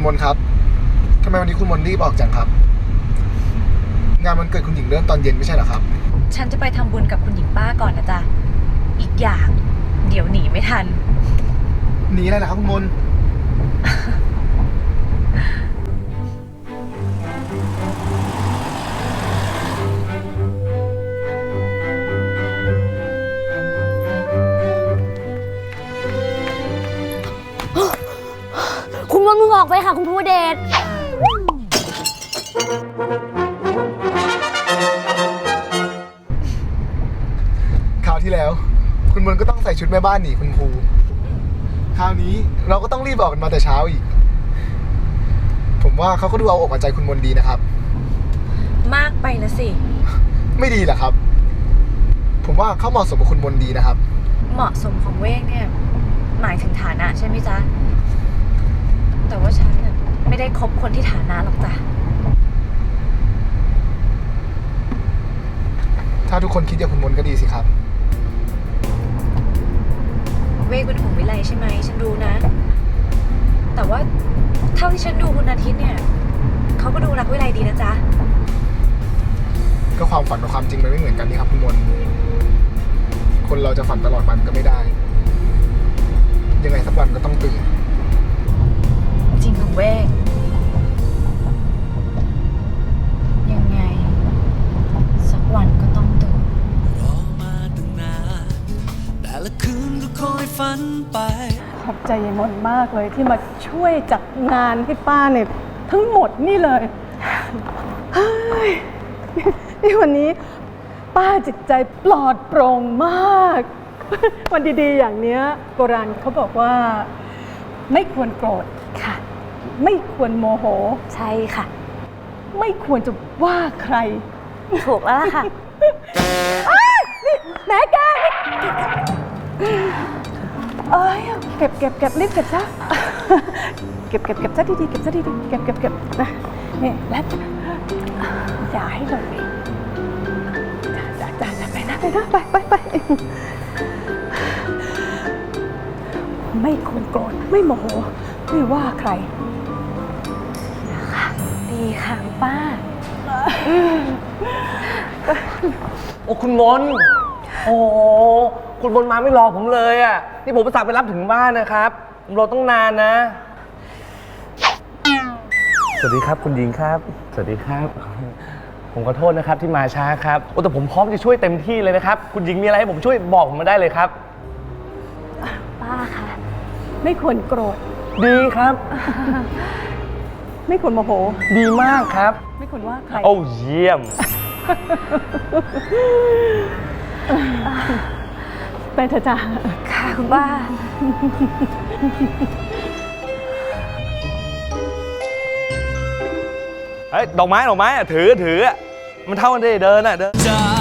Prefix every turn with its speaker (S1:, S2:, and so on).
S1: มนครับทำไมวันนี้คุณมนรีบออกจังครับงานวันเกิดคุณหญิงเริ่มตอนเย็นไม่ใช่เหรอครับ
S2: ฉันจะไปทำบุญกับคุณหญิงป้าก่อนนะจ๊ะอีกอย่างเดี๋ยวหนีไม่ทัน
S1: หนีอะไรล่ะครับคุณมน
S3: คุณมนมึงออกไปค่ะคุณภูเดช
S1: คราวที่แล้วคุณมนก็ต้องใส่ชุดแม่บ้านหนีคุณครูคราวนี้เราก็ต้องรีบออกกันมาแต่เช้าอีกผมว่าเขาก็ดูเอาอกเอาใจคุณมนดีนะครับ
S2: มากไปนะสิ
S1: ไม่ดีเหรอครับผมว่าเขาเหมาะสมกับคุณมนดีนะครับ
S2: เหมาะสมของเวกเนี่ยหมายถึงฐานะใช่ไหมจ๊ะแต่ว่าฉันเนี่ยไม่ได้คบคนที่ฐานะหรอกจ้ะ
S1: ถ้าทุกคนคิดอย่างคุณมนก็ดีสิครับ
S2: เวกเป็นห่วงวิไลใช่ไหมฉันรู้นะแต่ว่าเท่าที่ฉันดูคุณอาทิตย์เนี่ยเขาก็ดูรักวิไลดีนะจ๊ะ
S1: ก็ความฝันกับความจริงมันไม่เหมือนกันนี่ครับคุณมนคนเราจะฝันตลอดวันก็ไม่ได้ยังไงสักวันก็ต้องตื่น
S2: จริงของเวกยังไงสักวันก็ต้องตื่น
S4: รอมาตั้งนานแต่ละคืนก็คอยฝันไป
S5: ขอบใจยายมนมากเลยที่มาช่วยจัดงานให้ป้าเนี่ยทั้งหมดนี่เลยเฮ้ยนี่วันนี้ป้าจิตใจปลอดโปร่งมากวันดีๆอย่างเนี้ยโบราณเขาบอกว่าไม่ควรโกรธ
S3: ค่ะ
S5: ไม่ควรโมโห
S3: ใช่ค่ะ
S5: ไม่ควรจะว่าใคร
S3: ถูกแล้วล่ะค่ะ
S5: นี่แม่แกเอ้ยเก็บรีบเก็บซะเก็บซะดีๆเก็บซะดีๆเก็บนะนี่แล้วอย่าให้หล่นอีกจ้าไปนะไปไม่ควรโกรธไม่โมโหไม่ว่าใคร
S3: นะคะดีค่ะป้า
S6: โอ้คุณมนโอ้คุณมนมาไม่รอผมเลยอ่ะนี่ผมประสานไปรับถึงบ้านนะครับผมรอต้องนานนะสวัสดีครับคุณหญิงครับสวัสดีครับผมขอโทษนะครับที่มาช้าครับโอ้แต่ผมพร้อมจะช่วยเต็มที่เลยนะครับคุณหญิงมีอะไรให้ผมช่วยบอกผมมาได้เลยครับ
S3: ป้าค่ะ
S5: ไม่ควรโกรธ
S6: ดีครับ
S5: ไม่ควรโมโห
S6: ดีมากครับ
S5: ไม่ควรว่าใคร
S6: โอ้เยี่ยม
S5: ไปเถอะจ้า
S3: ค่ะคุณป้า
S6: เฮ้ยดอกไม้ถือมันเท่ากันได้เดินอ่ะเดิน